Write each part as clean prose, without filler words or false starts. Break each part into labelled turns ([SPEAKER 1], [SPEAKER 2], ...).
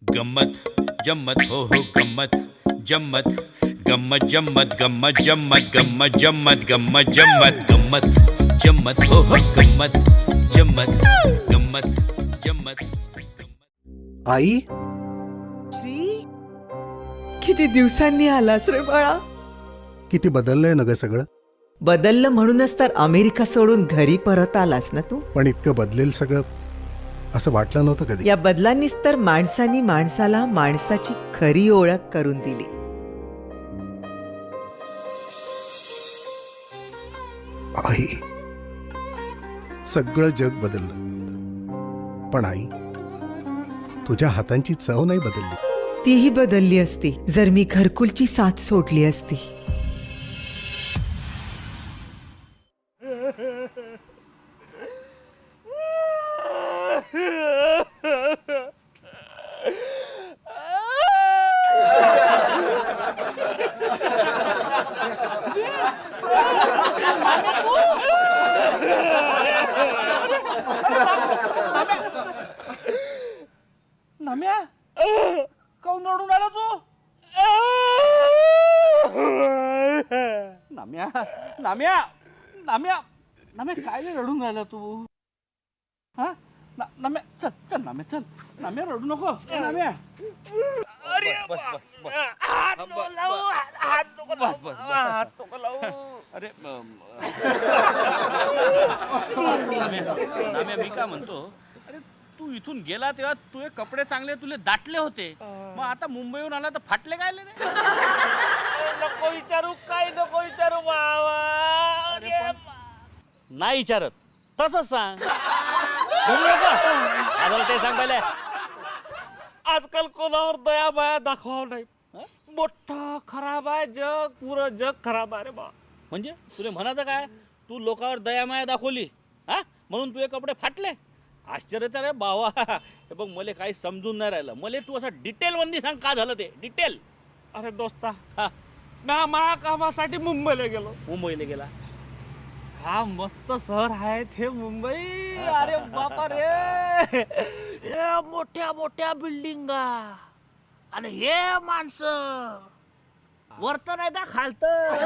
[SPEAKER 1] गम्मत जम्मत हो गम्मत जम्मत गम्मत जम्मत गम्मत जम्मत गम्मत जम्मत गम्मत जम्मत गम्मत जम्मत हो गम्मत जम्मत गम्मत जम्मत
[SPEAKER 2] आई,
[SPEAKER 3] श्री, किती दिवसांनी आलास रे बाळा.
[SPEAKER 2] किती बदललंय ना ग सगळं.
[SPEAKER 3] बदललं म्हणूनच तर अमेरिका सोडून घरी परत आलास ना तू.
[SPEAKER 2] पण इतकं बदलेल सगळं असं वाटलं नव्हतं कधी.
[SPEAKER 3] या बदलांनीच तर माणसानी माणसाला माणसाची खरी ओळख करून दिली.
[SPEAKER 2] आई, सगळं जग बदललं, पण आई तुझ्या हातांची चव नाही बदलली.
[SPEAKER 3] तीही बदलली असती जर मी घरकुलची साथ सोडली असती.
[SPEAKER 4] नाम्या काऊन रडून आला तू? नाम्या नाम्या नाम्या नाम्या काय रे रडून राहिला तू? हा नाम्या चल चल नाम्या चल. नाम्या रडू नको नाम्या. अरे हात नको लावू, हात नको लावू. अरे नाम्या मी का म्हणतो, तू इथून गेला तेव्हा तुझे कपडे चांगले तुले दाटले होते, मग आता मुंबईहून आला तर फाटले काय रे? नको विचारू, काय नको विचारू बाबा. नाही विचारत तसंच सांग. ते सांग पहिले. आजकाल कोणावर दया माया दाखवावं नाही. मोठं खराब आहे जग, पुरं जग खराब आहे रे बा. म्हणजे तुला म्हणायचं काय, तू लोकांवर दया माया दाखवली हा म्हणून तुझे कपडे फाटले? आश्चर्यच रे बावा. हे बघ मला काही समजून नाही राहिलं. मला तू असं डिटेल मध्ये सांग का झालं ते डिटेल.
[SPEAKER 5] अरे दोस्ता, मी मा कामासाठी मुंबईला गेलो.
[SPEAKER 4] मुंबईला गेला?
[SPEAKER 5] हा मस्त शहर आहे ते मुंबई. अरे बापा रे, हे मोठ्या मोठ्या बिल्डिंगा आणि हे माणसं वरत नाही का खालत.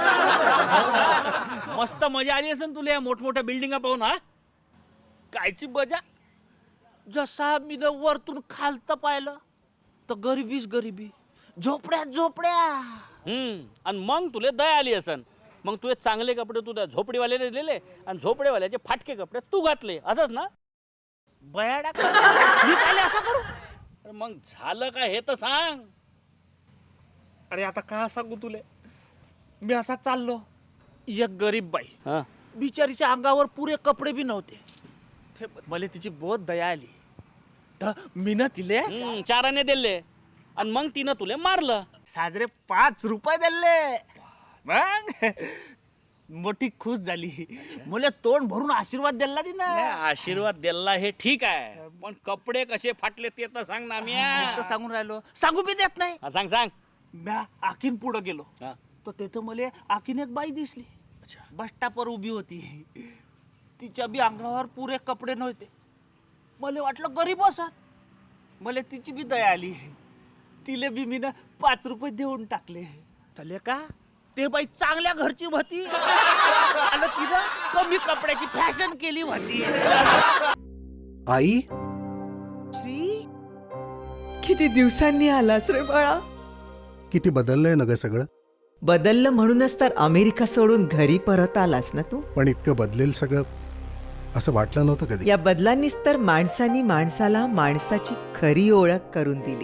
[SPEAKER 4] मस्त मजा आली असेल तुला या मोठमोठ्या बिल्डिंगा पाहून. हा
[SPEAKER 5] कायची मजा. जसा मी वरतून खालत पाहिलं तर गरिबीच गरिबी, झोपड्या झोपड्या.
[SPEAKER 4] आणि मग तुला दया आली असन. मग तुझे चांगले कपडे तू त्या झोपडीवाल्याने दिले आणि झोपडेवाल्याचे फाटके कपडे तू घातले, असंच ना?
[SPEAKER 5] बयाडा मी काय असं करू?
[SPEAKER 4] अरे मग झालं का हे तर सांग.
[SPEAKER 5] अरे आता का सांगू तुले. मी असा चाललो, एक गरीब बाई बिचारीच्या अंगावर पुरे कपडे बी नव्हते. मला तिची बहुत दया आली तर मी ना तिले
[SPEAKER 4] 4 आणे दिले आणि मग तिनं तुले मारलं.
[SPEAKER 5] साजरे 5 रुपये दिले. मग मोठी खुश झाली. मला तोंड भरून आशीर्वाद दिला
[SPEAKER 4] नाही,
[SPEAKER 5] तिनं.
[SPEAKER 4] आशीर्वाद दिला हे ठीक आहे, पण कपडे कसे फाटले ते तर सांग ना.
[SPEAKER 5] नुसतं सांगून राहिलो, सांगू बी देत नाही.
[SPEAKER 4] सांग सांग.
[SPEAKER 5] म्या आखीन पुढं गेलो
[SPEAKER 4] हा.
[SPEAKER 5] तर तिथं मला आखीन एक बाई दिसली. बस स्टॉपवर उभी होती. तिच्या बी अंगावर पुरे कपडे नव्हते. मला वाटलं गरीब असं. मला तिची बी दया आली. तिले बी मी 5 रुपये देऊन टाकले. तले का ते बाई चांगल्या घरची होती आणि तिनं कमी कपड्याची फॅशन केली होती.
[SPEAKER 2] आई,
[SPEAKER 3] श्री, किती दिवसांनी आलास रे बाळा.
[SPEAKER 2] किती बदललंय ना ग सगळं.
[SPEAKER 3] बदललं म्हणूनच तर अमेरिका सोडून घरी परत आलास ना तू.
[SPEAKER 2] पण इतकं बदलेल सगळं असं वाटलं नव्हतं कधी.
[SPEAKER 3] या बदलांनीच तर माणसानी माणसाला माणसाची खरी ओळख करून दिली.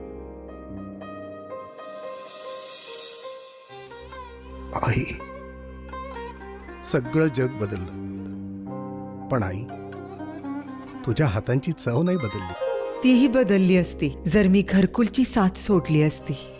[SPEAKER 2] आई, सगळं जग बदललं, पण आई तुझ्या हातांची चव नाही बदलली.
[SPEAKER 3] तीही बदलली असती जर मी घरकुलची साथ सोडली असती.